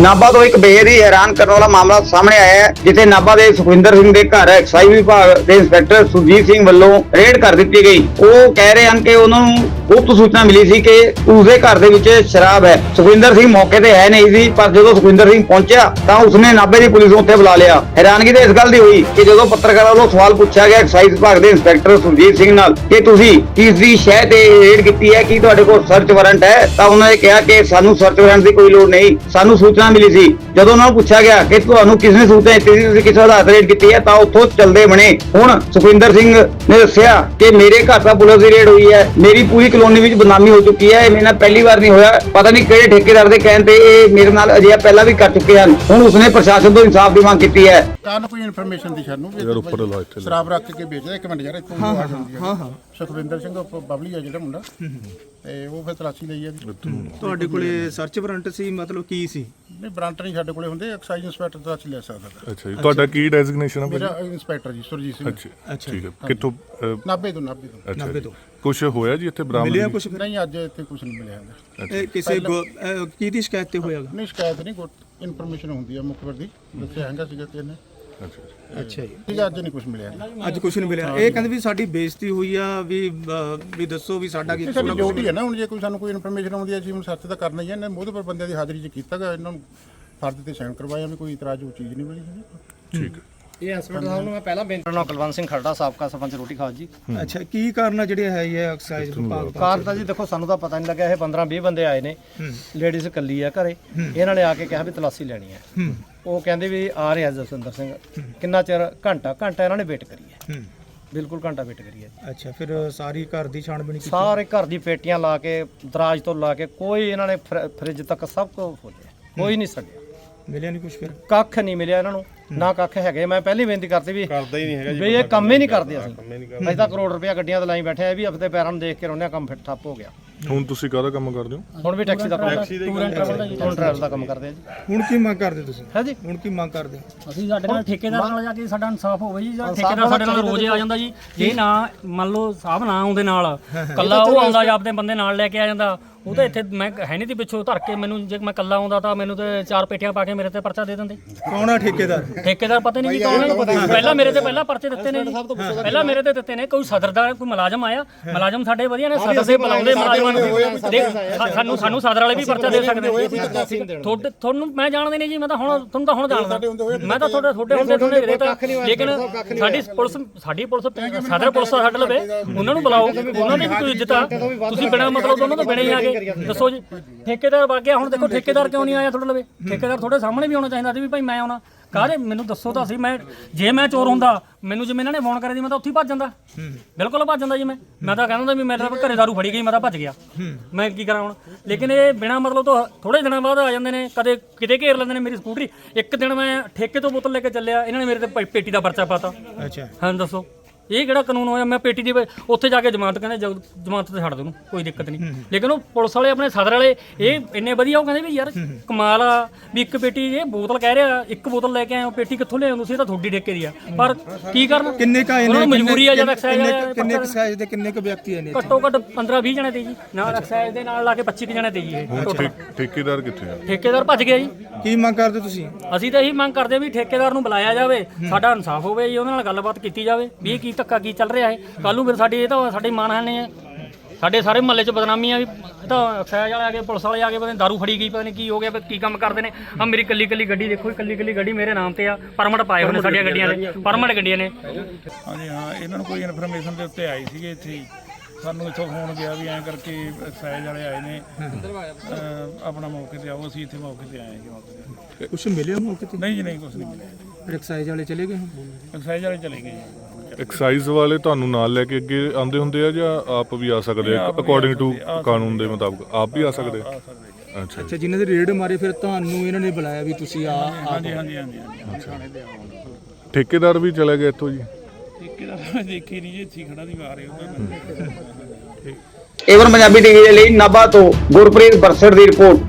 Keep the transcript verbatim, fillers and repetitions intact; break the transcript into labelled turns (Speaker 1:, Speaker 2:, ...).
Speaker 1: नाभा तो एक बेहद ही हैरान करने वाला मामला सामने आया है, जिथे नाभा ਦੇ ਸੁਖਵਿੰਦਰ ਸਿੰਘ ਦੇ ਘਰ ਐਕਸਾਈਜ਼ ਵਿਭਾਗ ਦੇ ਇੰਸਪੈਕਟਰ ਸੁਰਜੀਤ ਸਿੰਘ ਵੱਲੋਂ ਰੇਡ ਕਰ ਦਿੱਤੀ ਗਈ। ਉਹ ਕਹਿ ਰਹੇ ਹਨ ਕਿ ਉਹਨਾਂ ਨੂੰ ਗੁਪਤ ਸੂਚਨਾ ਮਿਲੀ ਸੀ ਕਿ ਉਸਦੇ ਘਰ ਦੇ ਵਿੱਚ ਸ਼ਰਾਬ ਹੈ। ਸੁਖਵਿੰਦਰ ਸਿੰਘ ਮੌਕੇ ਤੇ ਹੈ ਨਹੀਂ ਸੀ, ਪਰ ਜਦੋਂ ਸੁਖਵਿੰਦਰ ਸਿੰਘ ਪਹੁੰਚਿਆ ਤਾਂ ਉਸਨੇ ਨਾਭੇ ਦੀ ਪੁਲਿਸ ਨੂੰ ਉੱਥੇ ਬੁਲਾ ਲਿਆ। ਹੈਰਾਨਗੀ ਤਾਂ ਇਸ ਗੱਲ ਦੀ ਹੋਈ ਕਿ ਜਦੋਂ ਪੱਤਰਕਾਰਾਂ ਵੱਲੋਂ ਸਵਾਲ ਪੁੱਛਿਆ ਗਿਆ ਐਕਸਾਈਜ਼ ਵਿਭਾਗ ਦੇ ਇੰਸਪੈਕਟਰ ਸੁਰਜੀਤ ਸਿੰਘ ਨਾਲ ਕਿ ਤੁਸੀਂ ਕਿਸ ਦੀ ਸ਼ਹਿ ਤੇ ਰੇਡ ਕੀਤੀ ਹੈ, ਕੀ ਤੁਹਾਡੇ ਕੋਲ ਸਰਚ ਵਾਰੰਟ ਹੈ, ਤਾਂ ਉਹਨਾਂ ਨੇ ਕਿਹਾ ਕਿ ਸਾਨੂੰ ਸਰਚ ਵਾਰੰਟ ਦੀ ਕੋਈ ਲੋੜ ਨਹੀਂ, ਸਾਨੂੰ ਸੂਚਨਾ ਮਿਲੀ ਸੀ। ਜਦੋਂ ਉਹਨਾਂ ਨੂੰ ਪੁੱਛਿਆ ਗਿਆ ਕਿ ਤੁਹਾਨੂੰ ਕਿਸ ਨੇ ਸੂਚਨਾ ਦਿੱਤੀ ਸੀ, ਤੁਸੀਂ ਕਿਸ ਆਧਾਰ ਤੇ ਰੇਡ ਕੀਤੀ ਹੈ, ਤਾਂ ਉੱਥੋਂ ਚੱਲਦੇ ਬਣੇ। ਹੁਣ ਸੁਖਵਿੰਦਰ ਸਿੰਘ ਨੇ ਦੱਸਿਆ ਕਿ ਮੇਰੇ ਘਰ ਦਾ ਪੁਲਿਸ ਦੀ ਰੇਡ ਹੋਈ ਹੈ, ਮੇਰੀ ਪੂਰੀ ਕਲੋਨੀ ਵਿੱਚ ਬਦਨਾਮੀ ਹੋ ਚੁੱਕੀ ਹੈ, ਇਹ ਮੇਰੇ ਨਾਲ ਪਹਿਲੀ ਵਾਰ ਨਹੀਂ ਹੋਇਆ, ਪਤਾ ਨਹੀਂ ਕਿਹੜੇ ਠੇਕੇਦਾਰ ਦੇ ਕਹਿਣ ਤੇ ਇਹ ਮੇਰੇ ਨਾਲ ਅਜਿਹਾ ਪਹਿਲਾਂ ਵੀ ਕਰ ਚੁੱਕੇ ਹਨ। ਹੁਣ ਉਸਨੇ ਪ੍ਰਸ਼ਾਸਨ ਤੋਂ ਇਨਸਾਫ ਦੀ ਮੰਗ ਕੀਤੀ ਹੈ।
Speaker 2: ਕਾਰਨ ਕੋਈ ਇਨਫੋਰਮੇਸ਼ਨ ਦੀ ਸਾਨੂੰ ਵੀ ਸ਼ਰਾਬ ਰੱਖ ਕੇ ਵੇਚਦਾ। ਇੱਕ ਮਿੰਟ ਯਾਰ, ਇੱਥੋਂ ਆਵਾਜ਼ ਆਉਂਦੀ ਹੈ। ਹਾਂ ਹਾਂ ਸੁਖਵਿੰਦਰ ਸਿੰਘ ਬਬਲੀ ਆ ਜਿਹੜਾ ਮੁੰਡਾ, ਤੇ ਉਹ ਫਿਰ ਤਲਾਸ਼ੀ ਲਈ ਆ।
Speaker 3: ਤੁਹਾਡੇ ਕੋਲੇ ਸਰਚ ਵਾਰੰਟ ਸੀ, ਮਤਲਬ ਕੀ ਸੀ?
Speaker 2: ਨਹੀਂ, ਵਾਰੰਟ ਨਹੀਂ ਸਾਡੇ ਕੋਲੇ ਹੁੰਦੇ, ਐਕਸਾਈਜ਼ ਇੰਸਪੈਕਟਰ ਤਲਾਸ਼ੀ ਲੈ ਸਕਦਾ।
Speaker 4: ਅੱਛਾ ਜੀ, ਤੁਹਾਡਾ ਕੀ ਡੈਜ਼ਿਗਨੇਸ਼ਨ ਹੈ?
Speaker 2: ਮੇਰਾ ਇੰਸਪੈਕਟਰ ਜੀ ਸੁਰਜੀਤ ਸਿੰਘ।
Speaker 4: ਅੱਛਾ ਠੀਕ ਹੈ। ਕਿੱਥੋਂ?
Speaker 2: ਨਾਭੇ ਤੋਂ। ਨਾਭੇ ਤੋਂ।
Speaker 4: ਨਾਭੇ ਤੋਂ। ਕੁਝ ਹੋਇਆ ਜੀ ਇੱਥੇ ਬਰਾਮਦ?
Speaker 3: ਮਿਲਿਆ ਕੁਝ?
Speaker 2: ਨਹੀਂ, ਅੱਜ ਇੱਥੇ ਕੁਝ ਨਹੀਂ ਮਿਲਿਆ ਹੈਗਾ।
Speaker 3: ਇਹ ਕਿਸੇ ਕੀ ਦੀ ਸ਼ਿਕਾਇਤ ਤੇ ਹੋਇਆਗਾ?
Speaker 2: ਨਹੀਂ, ਸ਼ਿਕਾਇਤ ਨਹੀਂ, ਇਨਫੋਰਮੇਸ਼ਨ ਹੁੰਦੀ ਹੈ ਮੁਖਬਰ ਦੀ, ਦੱਸਿਆ ਹੈਗਾ ਸੀਗਾ ਕਿ ਇਹਨੇ।
Speaker 4: ਅੱਛਾ
Speaker 3: ਅੱਛਾ ਜੀ,
Speaker 2: ਠੀਕ ਹੈ। ਅੱਜ ਨਹੀਂ ਕੁਝ ਮਿਲਿਆ,
Speaker 3: ਅੱਜ ਕੁਝ ਨਹੀਂ ਮਿਲਿਆ। ਇਹ ਕਹਿੰਦੇ ਵੀ ਸਾਡੀ ਬੇਇੱਜ਼ਤੀ ਹੋਈ ਆ, ਵੀ ਵੀ ਦੱਸੋ ਵੀ ਸਾਡਾ ਕੀ
Speaker 2: ਸਾਡੀ ਡਿਊਟੀ ਹੈ ਨਾ। ਹੁਣ ਜੇ ਕੋਈ ਸਾਨੂੰ ਕੋਈ ਇਨਫੋਰਮੇਸ਼ਨ ਆਉਂਦੀ ਹੈ, ਅਸੀਂ ਹੁਣ ਸਰਚ ਤਾਂ ਕਰਨਾ ਹੀ ਹੈ। ਇਹਨਾਂ ਮੋਹਤਬਰ ਬੰਦਿਆਂ ਦੀ ਹਾਜ਼ਰੀ 'ਚ ਕੀਤਾ ਗਾ, ਇਹਨਾਂ ਨੂੰ ਫਰਜ਼ ਤੇ ਸਾਈਨ ਕਰਵਾਇਆ, ਵੀ ਕੋਈ ਇਤਰਾਜ਼ ਉਹ ਚੀਜ਼ ਨਹੀਂ ਮਿਲੀ ਹੈਗੀ।
Speaker 4: ਠੀਕ ਹੈ।
Speaker 5: ਇਹ ਇੰਸਪੈਕਟਰ ਸਾਹਿਬ ਨੂੰ ਮੈਂ ਪਹਿਲਾਂ ਬੇਨਤੀ ਕਰਨਾ, ਕੁਲਵੰਤ ਸਿੰਘ ਖਰੜਾ, ਸਾਬਕਾ ਸਰਪੰਚ ਰੋਟੀ ਖਾਸ ਜੀ।
Speaker 3: ਅੱਛਾ, ਕੀ ਕਾਰਨ ਆ ਜਿਹੜੇ ਹੈ ਇਹ ਐਕਸਾਈਜ਼ ਵਿਭਾਗ ਦਾ?
Speaker 5: ਕਾਰ ਤਾਂ ਜੀ ਦੇਖੋ, ਸਾਨੂੰ ਤਾਂ ਪਤਾ ਨਹੀਂ ਲੱਗਿਆ। ਇਹ ਪੰਦਰਾਂ ਵੀਹ ਬੰਦੇ ਆਏ ਨੇ, ਲੇਡੀਜ਼ ਇਕੱਲੀ ਆ ਘਰੇ। ਇਹਨਾਂ ਨੇ ਆ ਕੇ ਕਿਹਾ ਵੀ ਤਲਾਸ਼ੀ ਲੈਣੀ ਹੈ। ਉਹ ਕਹਿੰਦੇ ਵੀ ਆ ਰਿਹਾ ਜਸਵਿੰਦਰ ਸਿੰਘ। ਕਿੰਨਾ ਚਿਰ? ਘੰਟਾ ਘੰਟਾ ਇਹਨਾਂ ਨੇ ਵੇਟ ਕਰੀ ਹੈ, ਬਿਲਕੁਲ ਘੰਟਾ ਵੇਟ ਕਰੀ ਹੈ।
Speaker 3: ਅੱਛਾ, ਫਿਰ ਸਾਰੀ ਘਰ ਦੀ ਛਾਣਬੀਣ ਕੀਤੀ?
Speaker 5: ਸਾਰੇ ਘਰ ਦੀ ਪੇਟੀਆਂ ਲਾ ਕੇ, ਦਰਾਜ ਤੋਂ ਲਾ ਕੇ, ਕੋਈ ਇਹਨਾਂ ਨੇ ਫ੍ਰਿਜ ਤੱਕ ਸਭ ਕੁਝ ਖੋਲਿਆ, ਕੋਈ ਨਹੀਂ ਛੱਡਿਆ।
Speaker 3: ਮਿਲਿਆ ਨਹੀਂ ਕੁਝ? ਫਿਰ
Speaker 5: ਕੱਖ ਨਹੀਂ ਮਿਲਿਆ ਇਹਨਾਂ ਨੂੰ, ਨਾ ਕੱਖ ਹੈਗੇ। ਮੈਂ ਪਹਿਲੀ ਬੇਨਤੀ ਕਰਤੀ ਵੀ ਕਰਦਾ ਹੀ ਨਹੀਂ ਹੈਗਾ ਜੀ, ਇਹ ਕੰਮ ਹੀ ਨਹੀਂ ਕਰਦੇ। ਅਸੀਂ ਅਸੀਂ ਤਾਂ ਕਰੋੜ ਰੁਪਇਆ ਗੱਡੀਆਂ ਤੇ ਲਾਈ ਬੈਠੇ ਆ, ਵੀ ਹਫਤੇ ਪੈਰਾਂ ਨੂੰ ਦੇਖ ਕੇ ਰੋਣਿਆ, ਕੰਮ ਫਿਰ ਠੱਪ ਹੋ ਗਿਆ।
Speaker 4: ਹੁਣ ਤੁਸੀਂ ਕਾਹਦਾ ਕੰਮ ਕਰਦੇ ਹੋ?
Speaker 5: ਹੁਣ ਵੀ ਟੈਕਸੀ ਦਾ ਕੰਮ, ਟੂਰ ਐਂਡ ਟਰੈਵਲ ਦਾ ਜੀ, ਟੂਰ ਟਰੈਵਲ ਦਾ ਕੰਮ ਕਰਦੇ ਆ ਜੀ।
Speaker 3: ਹੁਣ ਕੀ ਮੰਗ ਕਰਦੇ ਤੁਸੀਂ?
Speaker 5: ਹੈ ਜੀ,
Speaker 3: ਹੁਣ ਕੀ ਮੰਗ ਕਰਦੇ?
Speaker 6: ਅਸੀਂ ਸਾਡੇ ਨਾਲ ਠੇਕੇਦਾਰ ਨਾਲ ਜਾ ਕੇ ਸਾਡਾ ਇਨਸਾਫ ਹੋਵੇ ਜੀ। ਜਿਹੜਾ ਠੇਕੇਦਾਰ ਸਾਡੇ ਨਾਲ ਰੋਜ਼ ਆ ਜਾਂਦਾ ਜੀ, ਜੇ ਨਾ ਮੰਨ ਲਓ ਸਾਹਿਬ ਨਾ ਆਉਂਦੇ ਨਾਲ, ਕੱਲਾ ਉਹ ਆਉਂਦਾ ਜਾਂ ਆਪਣੇ ਬੰਦੇ ਨਾਲ ਲੈ ਕੇ ਆ ਜਾਂਦਾ, ਉਹ ਤਾਂ ਇੱਥੇ ਮੈਂ ਹੈ ਨਹੀਂ ਤੀ ਪਿੱਛੋਂ ਧਰ ਕੇ ਮੈਨੂੰ, ਜੇ ਮੈਂ ਕੱਲਾ ਆਉਂਦਾ ਤਾਂ ਮੈਨੂੰ ਤੇ ਚਾਰ ਪੇਟੀਆਂ ਪਾ ਕੇ ਮੇਰੇ ਤੇ ਪਰਚਾ ਦੇ ਦਿੰਦੇ।
Speaker 3: ਕੌਣ ਆ ਠੇਕੇਦਾਰ?
Speaker 6: ਠੇਕੇਦਾਰ ਪਤਾ ਨਹੀਂ ਜੀ ਕੌਣ ਹੈ। ਪਹਿਲਾਂ ਮੇਰੇ ਤੇ ਪਹਿਲਾਂ ਪਰਚੇ ਦਿੱਤੇ ਨੇ ਜੀ, ਪਹਿਲਾਂ ਮੇਰੇ ਤੇ ਦਿੱਤੇ ਨੇ। ਕੋਈ ਸਦਰ ਦਾ ਕੋਈ ਮੁਲਾਜ਼ਮ ਆਇਆ, ਮੁਲਾਜ਼ਮ ਸਾਡੇ ਵਧੀਆ ਨੇ, ਸਦਰ ਦੇ ਬੁਲਾਉਂਦੇ ਮੁਲਾਜ਼ਮਾਂ ਨੂੰ। ਸਾਨੂੰ ਸਾਨੂੰ ਸਦਰ ਵਾਲੇ ਵੀ ਪਰਚਾ ਦੇ ਸਕਦੇ ਨੇ। ਤੁਹਾਡੇ ਤੁਹਾਨੂੰ ਮੈਂ ਜਾਣਦੇ ਨਹੀਂ ਜੀ, ਮੈਂ ਤਾਂ ਹੁਣ ਤੁਹਾਨੂੰ ਤਾਂ ਹੁਣ ਜਾਣਦਾ, ਮੈਂ ਤਾਂ ਤੁਹਾਡੇ ਤੁਹਾਡੇ ਹੁੰਦੇ ਤੁਹਾਡੇ ਵੀਰੇ ਤਾਂ। ਲੇਕਿਨ ਸਾਡੀ ਪੁਲਿਸ ਸਾਡੀ ਪੁਲਿਸ ਸਦਰ ਪੁਲਿਸ ਸਾਡੇ ਲਵੇ, ਉਹਨਾਂ ਨੂੰ ਬੁਲਾਓ, ਉਹਨਾਂ ਦੀ ਵੀ ਕੋਈ ਇੱਜ਼ਤ ਆ। ਤੁਸੀਂ ਬਿਨਾਂ ਮਤਲਬ ਤੋਂ ਉਹਨਾਂ ਤੋਂ ਬਿਨਾਂ ਹੀ ਆ ਗਏ, ਦੱਸੋ ਜੀ। ਠੇਕੇਦਾਰ ਵਗ ਗਿਆ, ਹੁਣ ਦੇਖੋ ਠੇਕੇਦਾਰ ਕਿਉਂ ਨਹੀਂ ਆਇਆ ਤੁਹਾਡੇ ਲਵੇ? ਠੇਕੇਦਾਰ ਤੁਹਾਡੇ ਸਾਹਮਣੇ ਵੀ ਆਉਣਾ ਚਾਹੀਦਾ ਸੀ ਵੀ ਭਾਈ ਮੈਂ ਆਉਣਾ। ਕਾਹਦੇ ਮੈਨੂੰ ਦੱਸੋ ਤਾਂ ਸੀ। ਮੈਂ ਜੇ ਮੈਂ ਚੋਰ ਹੁੰਦਾ, ਮੈਨੂੰ ਜਿਵੇਂ ਇਹਨਾਂ ਨੇ ਫੋਨ ਕਰਿਆ ਸੀ, ਮੈਂ ਤਾਂ ਉੱਥੇ ਹੀ ਭੱਜ ਜਾਂਦਾ, ਬਿਲਕੁਲ ਭੱਜ ਜਾਂਦਾ ਜੀ। ਮੈਂ ਮੈਂ ਤਾਂ ਕਹਿੰਦਾ ਵੀ ਮੇਰੇ ਘਰੇ ਦਾਰੂ ਫੜੀ ਗਈ, ਮੈਂ ਤਾਂ ਭੱਜ ਗਿਆ, ਮੈਂ ਕੀ ਕਰਾਂ ਹੁਣ। ਲੇਕਿਨ ਇਹ ਬਿਨਾਂ ਮਤਲਬ ਤੋਂ ਥੋੜੇ ਦਿਨਾਂ ਬਾਅਦ ਆ ਜਾਂਦੇ ਨੇ, ਕਦੇ ਕਿਤੇ ਘੇਰ ਲੈਂਦੇ ਨੇ ਮੇਰੀ ਸਕੂਟਰੀ। ਇੱਕ ਦਿਨ ਮੈਂ ਠੇਕੇ ਤੋਂ ਬੋਤਲ ਲੈ ਕੇ ਚੱਲਿਆ, ਇਹਨਾਂ ਨੇ ਮੇਰੇ ਤੇ ਪੇਟੀ ਦਾ ਪਰਚਾ ਪਾਤਾ।
Speaker 3: ਅੱਛਾ,
Speaker 6: ਹਾਂ ਦੱਸੋ ਇਹ ਕਿਹੜਾ ਕਾਨੂੰਨ ਹੋਇਆ? ਮੈਂ ਪੇਟੀ ਦੀ ਉੱਥੇ ਜਾ ਕੇ ਜ਼ਮਾਨਤ, ਕਹਿੰਦੇ ਜ਼ਮਾਨਤ ਤੇ ਛੱਡ ਦੋ ਉਹਨੂੰ, ਕੋਈ ਦਿੱਕਤ ਨਹੀਂ। ਲੇਕਿਨ ਉਹ ਪੁਲਿਸ ਵਾਲੇ ਆਪਣੇ ਸਦਰ ਵਾਲੇ ਇਹ ਇੰਨੇ ਵਧੀਆ, ਉਹ ਕਹਿੰਦੇ ਵੀ ਯਾਰ ਕਮਾਲ ਆ ਵੀ ਇੱਕ ਪੇਟੀ ਇਹ ਬੋਤਲ ਕਹਿ ਰਿਹਾ, ਇੱਕ ਬੋਤਲ ਲੈ ਕੇ ਆਏ ਹੋ, ਪੇਟੀ ਕਿੱਥੋਂ ਲਿਆਏ ਤੁਸੀਂ? ਇਹ ਤਾਂ ਤੁਹਾਡੀ ਠੇਕੇ ਦੀ ਆ, ਪਰ ਕੀ ਕਰਨ?
Speaker 3: ਕਿੰਨੇ ਕਾ
Speaker 6: ਇਹਨਾਂ ਨੂੰ ਮਜਬੂਰੀ ਆ ਜਦ ਐਕਸਾਈਜ਼
Speaker 3: ਕਿੰਨੇ ਐਕਸਾਈਜ਼ ਦੇ ਕਿੰਨੇ ਕੁ ਵਿਅਕਤੀ ਆਏ ਨੇ?
Speaker 6: ਘੱਟੋ ਘੱਟ ਪੰਦਰਾਂ ਵੀਹ ਜਣੇ ਤੇ ਜੀ, ਨਾਲ ਐਕਸਾਈਜ਼ ਦੇ ਨਾਲ ਲਾ ਕੇ ਪੱਚੀ ਜਣੇ ਤੇ ਜੀ। ਇਹ
Speaker 4: ਠੇਕੇਦਾਰ ਕਿੱਥੇ ਆ?
Speaker 6: ਠੇਕੇਦਾਰ ਭੱਜ ਗਿਆ ਜੀ।
Speaker 3: ਕੀ ਮੰਗ ਕਰਦੇ ਤੁਸੀਂ?
Speaker 6: ਅਸੀਂ ਤਾਂ ਇਹੀ ਮੰਗ ਕਰਦੇ ਵੀ ਠੇਕੇਦਾਰ ਨੂੰ ਬੁਲਾਇਆ ਜਾਵੇ, ਸਾਡਾ ਇਨਸਾਫ ਹੋਵੇ ਜੀ, ਉਹਨਾਂ ਨਾਲ ਗੱਲਬਾਤ ਕੀਤੀ ਜਾਵੇ ਵੀ ਇਹ ਕੀ ਧੱਕਾ ਕੀ ਚੱਲ ਰਿਹਾ ਹੈ। ਕੱਲ ਨੂੰ ਫਿਰ ਸਾਡੀ ਇਹ ਤਾਂ ਸਾਡੀ ਮਾਣਹਾਨੀ ਹੈ, ਸਾਡੇ ਸਾਰੇ ਮਹੱਲੇ 'ਚ ਬਦਨਾਮੀ ਆ ਵੀ ਇਹ ਤਾਂ ਐਕਸਾਈਜ਼ ਵਾਲੇ ਆ ਗਏ, ਪੁਲਿਸ ਵਾਲੇ ਆ ਗਏ, ਪਤਾ ਨਹੀਂ ਦਾਰੂ ਫੜੀ ਗਈ, ਪਤਾ ਨਹੀਂ ਕੀ ਹੋ ਗਿਆ, ਕੀ ਕੰਮ ਕਰਦੇ ਨੇ। ਆ ਮੇਰੀ ਕੱਲੀ ਕੱਲੀ ਗੱਡੀ ਦੇਖੋ, ਕੱਲੀ ਕੱਲੀ ਗੱਡੀ ਮੇਰੇ ਨਾਮ ਤੇ ਆ, ਪਰਮਿਟ ਪਾਏ ਹੋਏ ਨੇ ਸਾਡੀਆਂ ਗੱਡੀਆਂ ਦੇ, ਪਰਮਿਟ ਗੱਡੀਆਂ ਨੇ।
Speaker 7: ਹਾਂਜੀ ਹਾਂ, ਇਹਨਾਂ ਨੂੰ ਕੋਈ ਇਨਫੋਰਮੇਸ਼ਨ ਦੇ ਉੱਤੇ ਆਈ ਸੀਗੇ ਇੱਥੇ ਹੀ, ਸਾਨੂੰ ਇੱਥੋਂ ਫੋਨ ਗਿਆ ਵੀ ਐਂ ਕਰਕੇ ਐਕਸਾਈਜ਼ ਵਾਲੇ ਆਏ ਨੇ, ਆਪਣਾ ਮੌਕੇ ਤੇ ਆਓ। ਅਸੀਂ ਇੱਥੇ ਮੌਕੇ ਤੇ ਆਏ ਹਾਂ।
Speaker 3: ਕੁਛ ਮਿਲਿਆ ਮੌਕੇ ਤੇ?
Speaker 7: ਨਹੀਂ ਜੀ, ਨਹੀਂ ਕੁਛ ਨਹੀਂ ਮਿਲਿਆ।
Speaker 3: ਐਕਸਾਈਜ਼ ਵਾਲੇ ਚਲੇ ਗਏ?
Speaker 7: ਐਕਸਾਈਜ਼ ਵਾਲੇ ਚਲੇ ਗਏ ਜੀ।
Speaker 4: ਐਕਸਾਈਜ਼ ਵਾਲੇ ਤੁਹਾਨੂੰ ਨਾਲ ਲੈ ਕੇ ਅੱਗੇ ਆਉਂਦੇ ਹੁੰਦੇ ਆ ਜਾਂ ਆਪ ਵੀ ਆ ਸਕਦੇ ਆ? ਅਕੋਰਡਿੰਗ ਟੂ ਕਾਨੂੰਨ ਦੇ ਮੁਤਾਬਕ ਆਪ ਵੀ ਆ ਸਕਦੇ ਆ? ਅੱਛਾ
Speaker 3: ਅੱਛਾ, ਜਿਨ੍ਹਾਂ ਦੇ ਰੇਡ ਮਾਰੇ ਫਿਰ ਤੁਹਾਨੂੰ ਇਹਨਾਂ ਨੇ ਬੁਲਾਇਆ ਵੀ ਤੁਸੀਂ ਆ?
Speaker 7: ਹਾਂਜੀ ਹਾਂਜੀ ਹਾਂਜੀ ਥਾਣੇ ਤੇ ਆਓ।
Speaker 4: ਠੇਕੇਦਾਰ ਵੀ ਚਲੇ ਗਏ ਇੱਥੋਂ ਜੀ?
Speaker 7: ਠੇਕੇਦਾਰ ਮੈਂ ਦੇਖੀ ਨਹੀਂ ਜੀ, ਇੱਥੇ ਖੜਾ ਨਹੀਂ ਆ ਰਹੇ ਉਹਦਾ।
Speaker 1: ਏਵਨ ਪੰਜਾਬੀ ਟੀਵੀ ਦੇ ਲਈ ਨਾਭਾ ਤੋਂ ਗੁਰਪ੍ਰੀਤ ਬਰਸੜ ਦੀ ਰਿਪੋਰਟ।